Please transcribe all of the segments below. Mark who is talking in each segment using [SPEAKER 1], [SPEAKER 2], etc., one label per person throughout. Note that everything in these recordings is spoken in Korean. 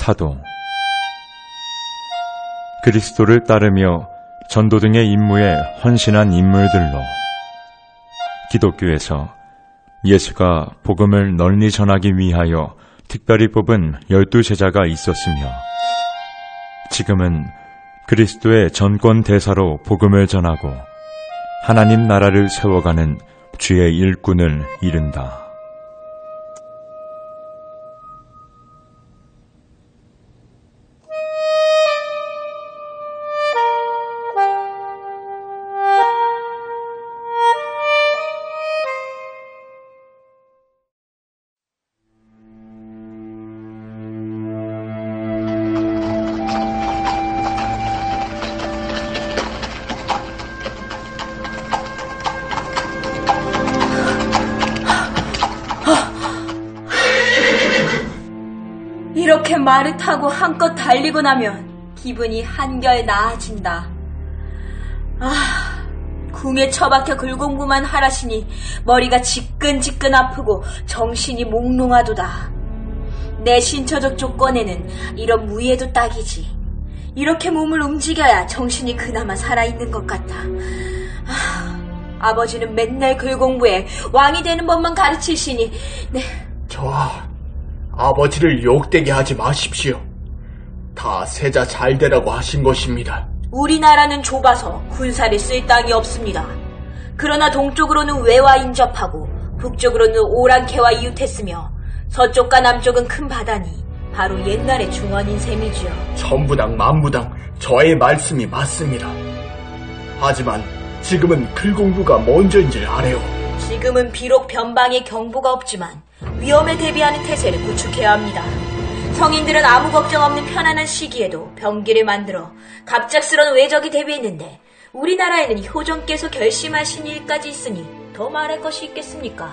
[SPEAKER 1] 사도 그리스도를 따르며 전도 등의 임무에 헌신한 인물들로 기독교에서 예수가 복음을 널리 전하기 위하여 특별히 뽑은 12제자가 있었으며 지금은 그리스도의 전권 대사로 복음을 전하고 하나님 나라를 세워가는 주의 일꾼을 이른다.
[SPEAKER 2] 이렇게 말을 타고 한껏 달리고 나면 기분이 한결 나아진다. 궁에 처박혀 글공부만 하라시니 머리가 지끈지끈 아프고 정신이 몽롱하도다. 내 신처적 조건에는 이런 무예도 딱이지. 이렇게 몸을 움직여야 정신이 그나마 살아있는 것 같아. 아버지는 맨날 글공부에 왕이 되는 법만 가르치시니
[SPEAKER 3] 아버지를 욕되게 하지 마십시오. 다 세자 잘 되라고 하신 것입니다.
[SPEAKER 2] 우리나라는 좁아서 군사를 쓸 땅이 없습니다. 그러나 동쪽으로는 외와 인접하고 북쪽으로는 오랑캐와 이웃했으며 서쪽과 남쪽은 큰 바다니 바로 옛날의 중원인 셈이지요.
[SPEAKER 3] 천부당 만부당 저의 말씀이 맞습니다. 하지만 지금은 글공부가 먼저인 줄 아래요.
[SPEAKER 2] 지금은 비록 변방에 경보가 없지만 위험에 대비하는 태세를 구축해야 합니다. 성인들은 아무 걱정 없는 편안한 시기에도 병기를 만들어 갑작스런 외적이 대비했는데 우리나라에는 효정께서 결심하신 일까지 있으니 더 말할 것이 있겠습니까?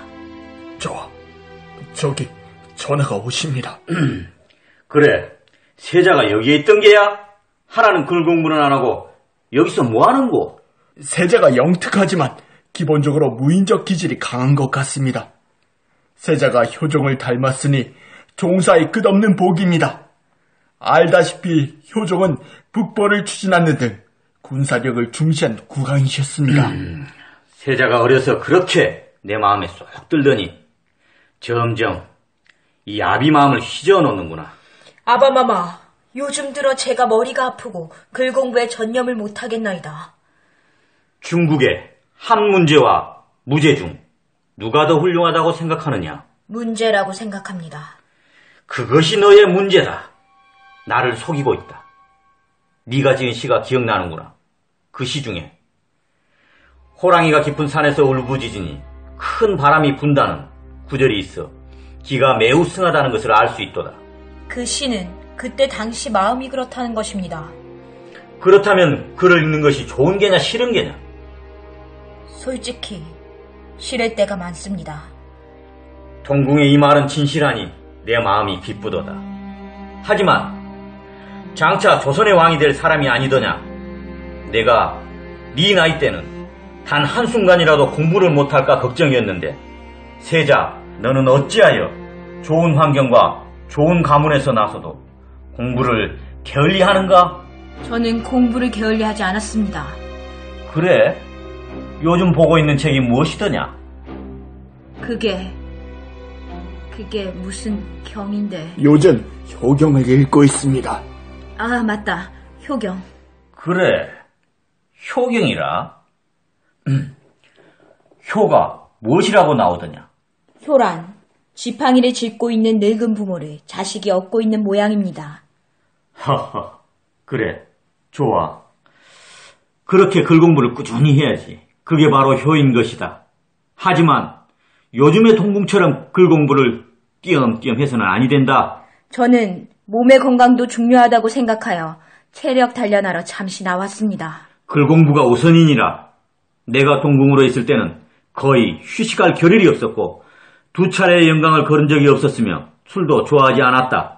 [SPEAKER 3] 저기 전하가 오십니다.
[SPEAKER 4] 그래, 세자가 여기에 있던 게야? 하나는 글공부는 안 하고 여기서 뭐 하는고?
[SPEAKER 3] 세자가 영특하지만 기본적으로 무인적 기질이 강한 것 같습니다. 세자가 효종을 닮았으니 종사의 끝없는 복입니다. 알다시피 효종은 북벌을 추진하는 등 군사력을 중시한 국왕이셨습니다.
[SPEAKER 4] 세자가 어려서 그렇게 내 마음에 쏙 들더니 점점 이 아비 마음을 휘저어 놓는구나.
[SPEAKER 2] 아바마마, 요즘 들어 제가 머리가 아프고 글공부에 전념을 못하겠나이다.
[SPEAKER 4] 중국의 한 문제와 무제 중 누가 더 훌륭하다고 생각하느냐?
[SPEAKER 2] 문제라고 생각합니다.
[SPEAKER 4] 그것이 너의 문제다. 나를 속이고 있다. 네가 지은 시가 기억나는구나. 그 시 중에 호랑이가 깊은 산에서 울부짖으니 큰 바람이 분다는 구절이 있어 기가 매우 승하다는 것을 알 수 있도다.
[SPEAKER 2] 그 시는 그때 당시 마음이 그렇다는 것입니다.
[SPEAKER 4] 그렇다면 글을 읽는 것이 좋은 게냐 싫은 게냐?
[SPEAKER 2] 솔직히 싫을 때가 많습니다.
[SPEAKER 4] 동궁의 이 말은 진실하니 내 마음이 기쁘도다. 하지만 장차 조선의 왕이 될 사람이 아니더냐? 내가 네 나이 때는 단 한순간이라도 공부를 못할까 걱정이었는데 세자, 너는 어찌하여 좋은 환경과 좋은 가문에서 나서도 공부를 게을리하는가?
[SPEAKER 2] 저는 공부를 게을리하지 않았습니다.
[SPEAKER 4] 그래? 요즘 보고 있는 책이 무엇이더냐?
[SPEAKER 2] 그게 무슨 경인데.
[SPEAKER 3] 요즘 효경을 읽고 있습니다.
[SPEAKER 2] 아, 맞다. 효경.
[SPEAKER 4] 그래, 효경이라. 효가 무엇이라고 나오더냐?
[SPEAKER 2] 효란, 지팡이를 짚고 있는 늙은 부모를 자식이 업고 있는 모양입니다.
[SPEAKER 4] 하하, 그래, 좋아. 그렇게 글 공부를 꾸준히 해야지. 그게 바로 효인 것이다. 하지만 요즘의 동궁처럼 글 공부를 띄엄띄엄 해서는 아니 된다.
[SPEAKER 2] 저는 몸의 건강도 중요하다고 생각하여 체력 단련하러 잠시 나왔습니다.
[SPEAKER 4] 글 공부가 우선이니라. 내가 동궁으로 있을 때는 거의 휴식할 겨를이 없었고 2차례의 영광을 거른 적이 없었으며 술도 좋아하지 않았다.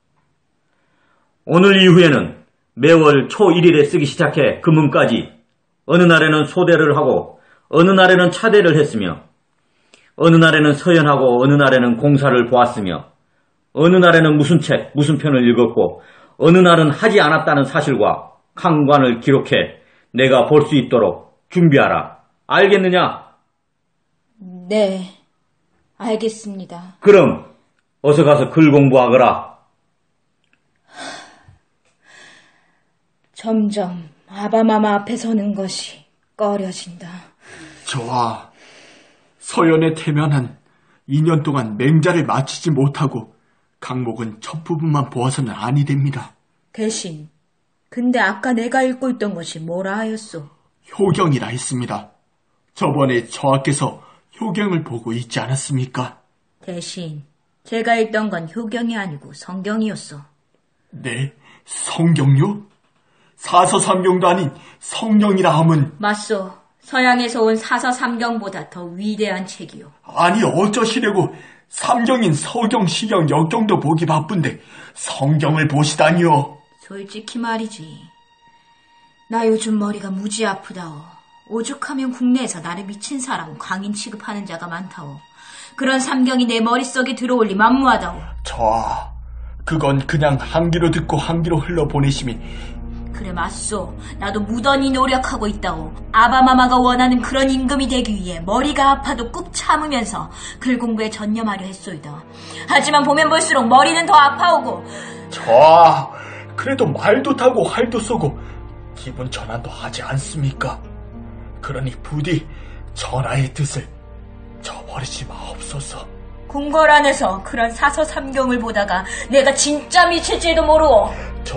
[SPEAKER 4] 오늘 이후에는 매월 초 1일에 쓰기 시작해 금음까지 어느 날에는 소대를 하고 어느 날에는 차대를 했으며 어느 날에는 서연하고 어느 날에는 공사를 보았으며 어느 날에는 무슨 책, 무슨 편을 읽었고 어느 날은 하지 않았다는 사실과 강관을 기록해 내가 볼 수 있도록 준비하라. 알겠느냐?
[SPEAKER 2] 네, 알겠습니다.
[SPEAKER 4] 그럼 어서 가서 글 공부하거라.
[SPEAKER 2] 점점 아바마마 앞에 서는 것이 꺼려진다.
[SPEAKER 3] 저와 서연의 태면한 2년 동안 맹자를 마치지 못하고 강목은 첫 부분만 보아서는 아니 됩니다.
[SPEAKER 2] 대신 근데 아까 내가 읽고 있던 것이 뭐라 하였소?
[SPEAKER 3] 효경이라 했습니다. 저번에 저하께서 효경을 보고 있지 않았습니까?
[SPEAKER 2] 대신 제가 읽던 건 효경이 아니고 성경이었어.
[SPEAKER 3] 네, 성경요? 사서삼경도 아닌 성경이라 함은
[SPEAKER 2] 맞소. 서양에서 온 사서삼경보다 더 위대한 책이요.
[SPEAKER 3] 아니 어쩌시려고 삼경인 서경, 시경, 역경도 보기 바쁜데 성경을 보시다니요.
[SPEAKER 2] 솔직히 말이지. 나 요즘 머리가 무지 아프다오. 오죽하면 국내에서 나를 미친 사람, 광인 취급하는 자가 많다오. 그런 삼경이 내 머릿속에 들어올 리 만무하다오.
[SPEAKER 3] 그건 그냥 한 귀로 듣고 한 귀로 흘러보내심이.
[SPEAKER 2] 그래 맞소. 나도 무던히 노력하고 있다오. 아바마마가 원하는 그런 임금이 되기 위해 머리가 아파도 꾹 참으면서 글 공부에 전념하려 했소이다. 하지만 보면 볼수록 머리는 더 아파오고.
[SPEAKER 3] 그래도 말도 타고 활도 쏘고 기분 전환도 하지 않습니까? 그러니 부디 전하의 뜻을 저버리지 마옵소서.
[SPEAKER 2] 궁궐 안에서 그런 사서삼경을 보다가 내가 진짜 미칠지도 모르오.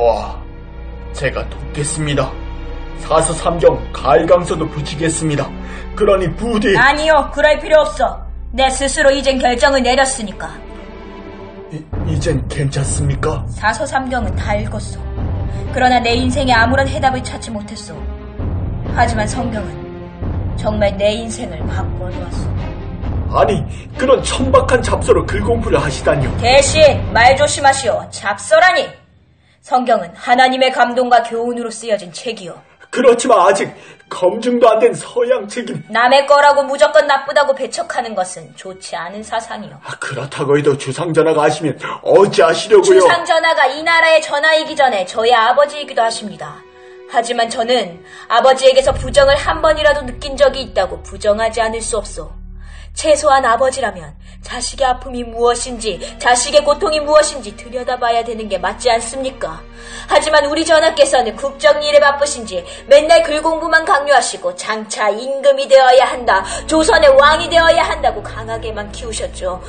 [SPEAKER 3] 제가 돕겠습니다. 사서삼경 가일강서도 붙이겠습니다. 그러니 부디.
[SPEAKER 2] 아니요, 그럴 필요 없어. 내 스스로 이젠 결정을 내렸으니까.
[SPEAKER 3] 이젠 괜찮습니까?
[SPEAKER 2] 사서삼경은 다 읽었어. 그러나 내 인생에 아무런 해답을 찾지 못했어. 하지만 성경은 정말 내 인생을 바꿔놓았어.
[SPEAKER 3] 아니, 그런 천박한 잡서로 글 공부를 하시다니요.
[SPEAKER 2] 대신 말 조심하시오. 잡서라니. 성경은 하나님의 감동과 교훈으로 쓰여진 책이요.
[SPEAKER 3] 그렇지만 아직 검증도 안 된 서양 책임.
[SPEAKER 2] 남의 거라고 무조건 나쁘다고 배척하는 것은 좋지 않은 사상이요.
[SPEAKER 3] 그렇다고 해도 주상전하가 하시면 어찌하시려고요?
[SPEAKER 2] 주상전하가 이 나라의 전하이기 전에 저의 아버지이기도 하십니다. 하지만 저는 아버지에게서 부정을 한 번이라도 느낀 적이 있다고 부정하지 않을 수 없소. 최소한 아버지라면 자식의 아픔이 무엇인지, 자식의 고통이 무엇인지 들여다봐야 되는 게 맞지 않습니까? 하지만 우리 전하께서는 국정일에 바쁘신지 맨날 글 공부만 강요하시고 장차 임금이 되어야 한다, 조선의 왕이 되어야 한다고 강하게만 키우셨죠.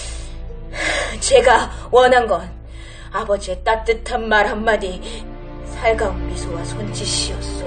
[SPEAKER 2] 제가 원한 건 아버지의 따뜻한 말 한마디, 살가운 미소와 손짓이었소.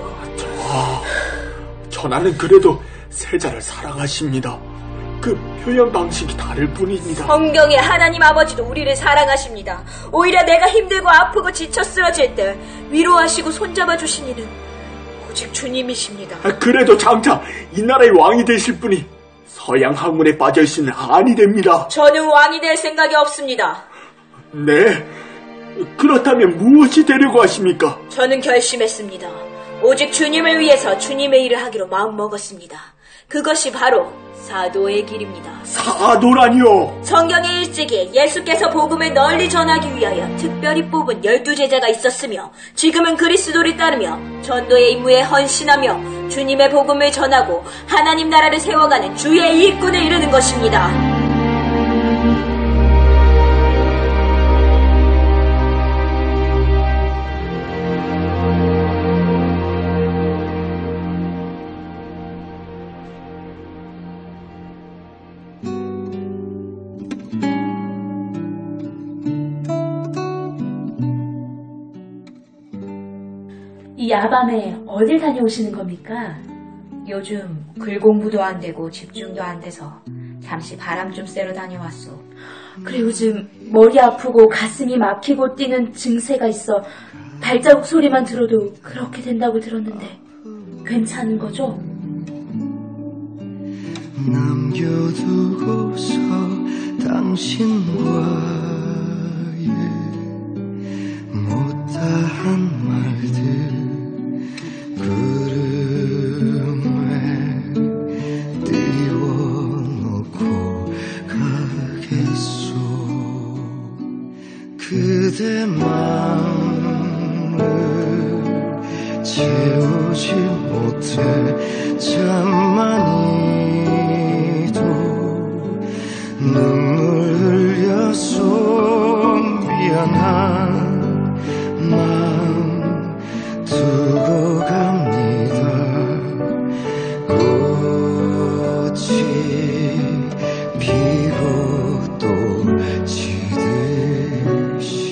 [SPEAKER 3] 전하는 그래도 세자를 사랑하십니다. 그 표현 방식이 다를 뿐입니다.
[SPEAKER 2] 성경의 하나님 아버지도 우리를 사랑하십니다. 오히려 내가 힘들고 아프고 지쳐 쓰러질 때 위로하시고 손잡아 주신 이는 오직 주님이십니다.
[SPEAKER 3] 그래도 장차 이 나라의 왕이 되실 분이 서양 학문에 빠져있으면 아니 됩니다.
[SPEAKER 2] 저는 왕이 될 생각이 없습니다.
[SPEAKER 3] 네? 그렇다면 무엇이 되려고 하십니까?
[SPEAKER 2] 저는 결심했습니다. 오직 주님을 위해서 주님의 일을 하기로 마음먹었습니다. 그것이 바로 사도의 길입니다.
[SPEAKER 3] 사도라니요?
[SPEAKER 2] 성경의 일찍이 예수께서 복음을 널리 전하기 위하여 특별히 뽑은 12제자가 있었으며, 지금은 그리스도를 따르며 전도의 임무에 헌신하며 주님의 복음을 전하고 하나님 나라를 세워가는 주의 일꾼을 이루는 것입니다.
[SPEAKER 5] 이 야밤에 어딜 다녀오시는 겁니까?
[SPEAKER 2] 요즘 글 공부도 안 되고 집중도 안 돼서 잠시 바람 좀 쐬러 다녀왔어.
[SPEAKER 5] 그래, 요즘 머리 아프고 가슴이 막히고 뛰는 증세가 있어 발자국 소리만 들어도 그렇게 된다고 들었는데 괜찮은 거죠?
[SPEAKER 6] 남겨두고서 당신과의 못다한 말들 구름에 띄워놓고 가겠소. 그대 마음을 채우지 못해 참 많이